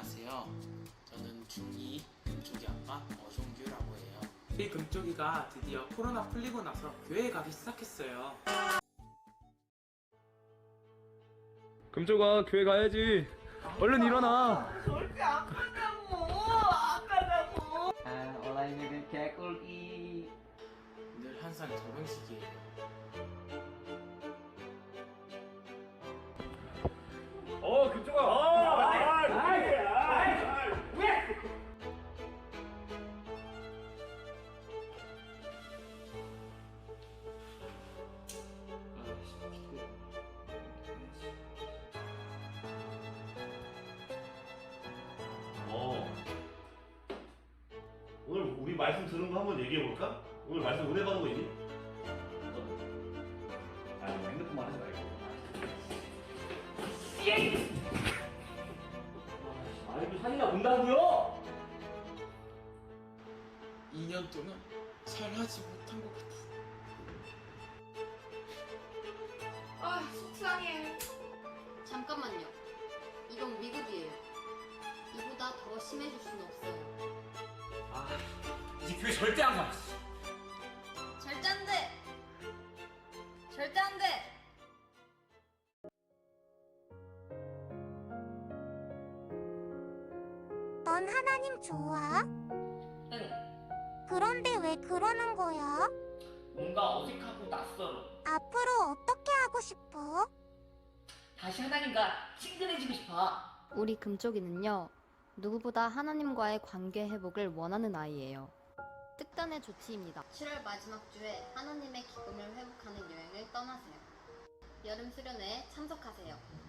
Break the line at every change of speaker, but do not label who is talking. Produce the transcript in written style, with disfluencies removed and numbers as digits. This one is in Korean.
안녕하세요. 저는 중2 금쪽이 아빠 어종규라고 해요.
우리 금쪽이가 드디어 코로나 풀리고 나서 교회에 가기 시작했어요.
금쪽아, 교회 가야지. 얼른 일어나.
절대 안 간다고! 안 간다고!
온라인을 개꿀이.
늘 항상 결혼식이에요.
금쪽아.
오늘 우리 말씀 들은 거 한번 얘기해 볼까? 오늘 말씀 은혜 받은 거 있니?
핸드폰만 하지 말고.
이거 사기가 본다고요?
2년 동안 잘하지 못한 것 같아.
아, 속상해. 잠깐만요. 이건 미국이에요. 이보다 더 심해질 수는 없어요.
이제 교회 절대 안 가.
절대 안 돼! 절대 안 돼!
넌 하나님 좋아?
응.
그런데 왜 그러는 거야?
뭔가 어색하고 낯설어.
앞으로 어떻게 하고 싶어?
다시 하나님과 친근해지고 싶어.
우리 금쪽이는요, 누구보다 하나님과의 관계 회복을 원하는 아이예요. 특단의 조치입니다.
7월 마지막 주에 하나님의 기쁨을 회복하는 여행을 떠나세요. 여름 수련회에 참석하세요.